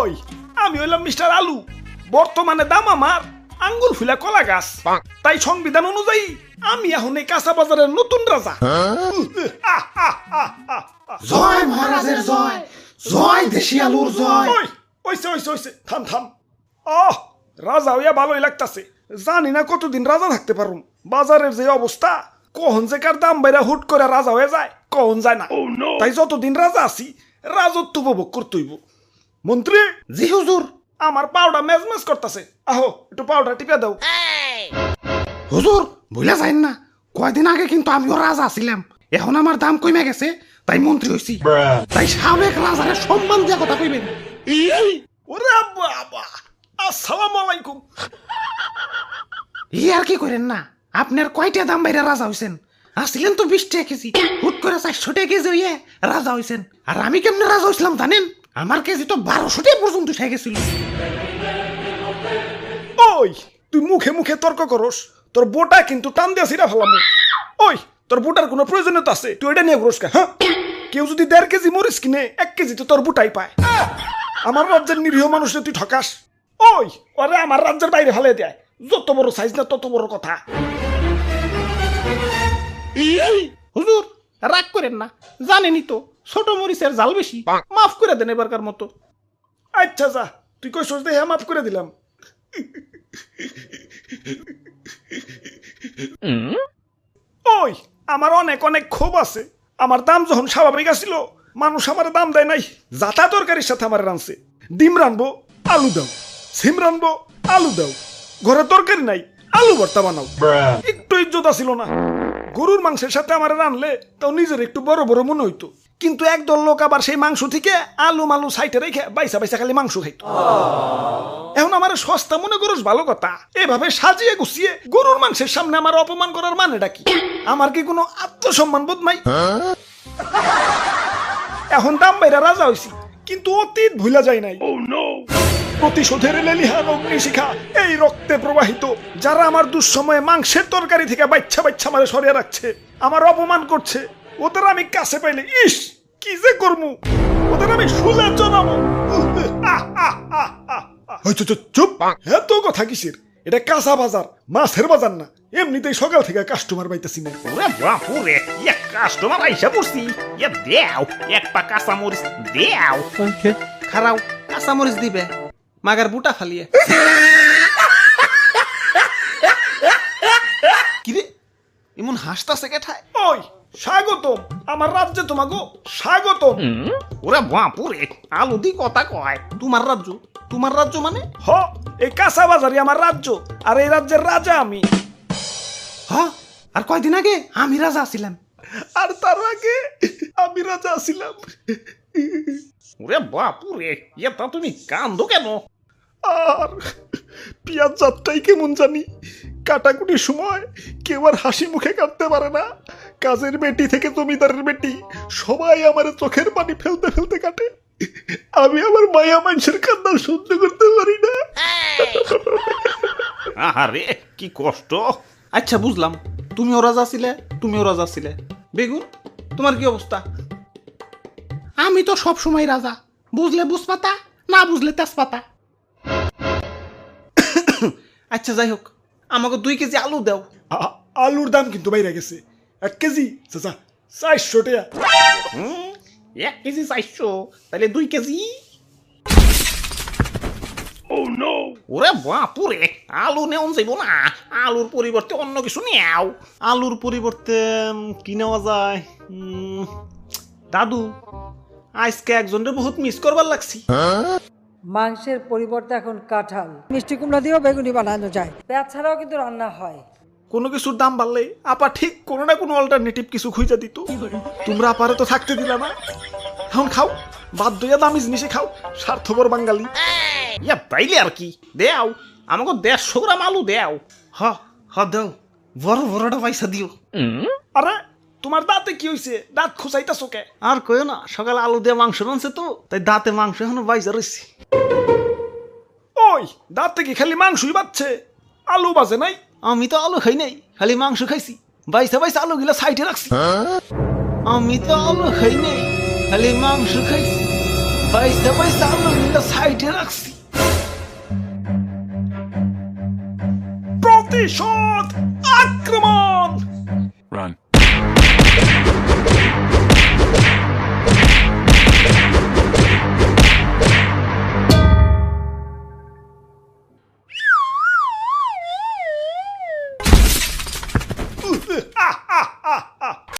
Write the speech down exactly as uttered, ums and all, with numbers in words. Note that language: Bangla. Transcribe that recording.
ওই আমি হইলাম মিস্টার আলু, বর্তমানে দাম আমার আঙ্গুল ফুলা কলা গাছ। তাই সংবিধান অনুযায়ী আমি এখন এই কাঁচা বাজারের নতুন রাজা। জয় মহারাজের জয়, জয় দেশি আলুর জয়। ওই ওইসে ওইসে ওইসে থাম থাম। আহ রাজা হইয়া ভালোই লাগতাছে, জানি না কতদিন রাজা থাকতে পারুম। বাজারের যে অবস্থা, কখন যে কার দাম বাইরা হুট করে রাজা হয়ে যায় কখন যায় না। তাই যতদিন রাজা আছি রাজত্ব উপভোগ করতে হইব। মন্ত্রী। জি হুজুর। আমার পাউডার মেজমেজ করতেছে, আহো একটু পাউডার টিপে দাও। হুজুর ভুলে যাইন না, কয়দিন আগে কিন্তু আমিও রাজা ছিলাম, এখন আমার দাম কমে গেছে তাই মন্ত্রী হইছি। তাই সাবেক রাজারে সম্মান দিয়া কথা কইবেন। ওরে বাবা, আসসালামু আলাইকুম। ই আর কি করেন না, আপনার কয়টা দাম বাইরে রাজা হইছেন? আসছিলেন তো বিশ টাকা কেজি, হুট করে চারশো টাকা কেজি হইয়ে রাজা হইছেন। আর আমি কেমনে রাজা হইছিলাম জানেন? আমার কেজি তো বারোশো টাকা পর্যন্ত উঠে গেছিল। ওই তুই মুখে মুখে তর্ক করস, তোর বোটা কিন্তু টান দিয়া ছিড়া ফেলাম। ওই তোর বুটার কোনো প্রয়োজনীয়তা আছে? তুই এটা নিয়ে ঘুরস কে? হ্যাঁ, কেউ যদি দেড় কেজি মরিচ কিনে এক কেজি তো তোর বুটাই পায়। আমার রাজ্যের নিরীহ মানুষে তুই ঠকাস। ওই ওরে আমার রাজ্যের বাইরে ফেলে দেয়, যত বড় সাইজ না তত বড় কথা। হুজুর রাগ করেন না, জানেনই তো ছোট মরিচের জাল বেশি, মাফ করে দেন এবারকার মতো। আচ্ছা যা, তুই কই সোচ দেখে মাফ করে দিলাম। ওই আমার অনেক অনেক ক্ষোভ আছে। আমার দাম যখন স্বাভাবিক আসছিল, মানুষ আমার দাম দেয় নাই। যাতা তরকারির সাথে আমার রানছে, ডিম রানবো আলু দাও, সিম রানবো আলু দাও, ঘরে তরকারি নাই আলু ভর্তা বানাও, একটু ইজ্জত আসিল না। গরুর মাংসের সাথে আমার রানলে তাও নিজের একটু বড় বড় মনে হইতো। কিন্তু একদল লোক আবার সেই মাংস থেকে আলু মালু সাইটে রেখে বাইসা বাইসা খালি মাংস খাইতো। এখন আমার সস্তা মনে করস ভালো কথা, এভাবে সাজিয়ে গুছিয়ে গরুর মাংসের সামনে আমার অপমান করার মানেটা কি? আমার কি কোনো আত্মসম্মান বোধ নাই? এখন দাম বাইরা রাজা হইছি, কিন্তু অতীত ভুলা যায় নাই। প্রতিশোধের লেলিহান অগ্নিশিখা এই রক্তে প্রবাহিত। যারা আমার দুঃসময়ে মাংসের তরকারি থেকে বাচ্চা বাচ্চা মারে সরিয়ে রাখছে, আমার অপমান করছে, ওদের আমি কাছে পাইলে ইস কি যে করমু, ওদের আমি শুলে জানাবো। চুপ, এত কথা কিসের? এটা কাঁচা বাজার, মাছের বাজার না। এমনিতেই সকাল থেকে কাস্টমার পাইতেছি না। ওরে বাপুরে, এক কাস্টমার আইসা পড়ছি। এ দেও এক পা কাঁচা মরিচ দেও। খারাও কাঁচা মরিচ দিবে, মাগার বুটা ফালিয়ে। কিরে এমন হাসতাছে কেঠায়? ওই স্বাগতম আমার রাজ্যে, তোমাগো স্বাগতম। ওরে বাপুরে, আলু দি কথা কয়। তোমার রাজ্য? তোমার রাজ্য মানে? হ, এই কাঁচা বাজারই আমার রাজ্য, আর এই রাজ্যের রাজা আমি। হ, আর কয়দিন আগে আমি রাজা ছিলাম। আর তার আগে আমি রাজা ছিলাম। ওরে বাপুরে, এটা তুমি কান্দো কেন? আর পিয়াজ যাত্রাই কেমন জানি, কাটাকুটির সময় কেউ আর হাসি মুখে কাটতে পারে না। কাজের বেটি থেকে জমিদারের বেটি সবাই আমার চোখের পানি ফেলতে ফেলতে কাটে। আমি আমার মায়া মানুষের কান্না সহ্য করতে পারি না। আরে কি কষ্ট। আচ্ছা বুঝলাম, তুমিও রাজা ছিলে, তুমিও রাজা ছিলে। বেগুন তোমার কি অবস্থা? আমি তো সব সময় রাজা, বুঝলে বুঝপাতা, না বুঝলে তেজপাতা। আচ্ছা যাই হোক, আমাকে দুই কেজি আলু দাও। আ- আলুর দাম কিন্তু বাইরে গেছে, এক কেজি চাচা চারশো টাকা। হুম, এক কেজি চারশো, তাহলে দুই কেজি। ওরে বাপুরে, আলু নেওয়া যাইব না, আলুর পরিবর্তে অন্য কিছু নেও। আলুর পরিবর্তে উম, কি নেওয়া যায়? উম, দাদু আজকে একজনরে বহুত মিস করবার লাগছি। মাংসের পরিবর্তে এখন কাঁঠাল, মিষ্টি কুমড়া দিয়েও বেগুনি বানানো যায়। পেঁয়াজ ছাড়াও কিন্তু রান্না হয়। কোনো কিছুর দাম বাড়লে আপা ঠিক কোনো না কোনো অল্টারনেটিভ কিছু খুঁজে দিত। তোমরা আপারে তো থাকতে দিলা না, এখন খাও, বাধ্য হইয়া দামি জিনিসে খাও, স্বার্থপর বাঙালি। ইয়া তাইলে আর কি, দেও আমাকে দেড়শো গ্রাম আলু দেও। হ হ দাও, বড় বড়টা পয়সা দিও। আরে তোমার দাঁতে কি হইছে? দাঁত খুঁচাইতাছো কে? আর কইও না, সকালে আলু দিয়ে মাংস রানছে তো, তাই দাঁতে মাংস এখনো বাইজা রয়েছে। ওই দাঁতে কি খালি মাংসই বাচ্ছে, আলু বাজে নাই? আমি তো আলু খাই নাই, খালি মাংস খাইছি। বাইসা বাইসা আলু গিলা সাইডে রাখছি। আমি তো আলু খাই নাই, খালি মাংস খাইছি। পয়সা পয়সা আলুগুলো সাইডে রাখছি। প্রতিশোধ, আক্রমণ! Run.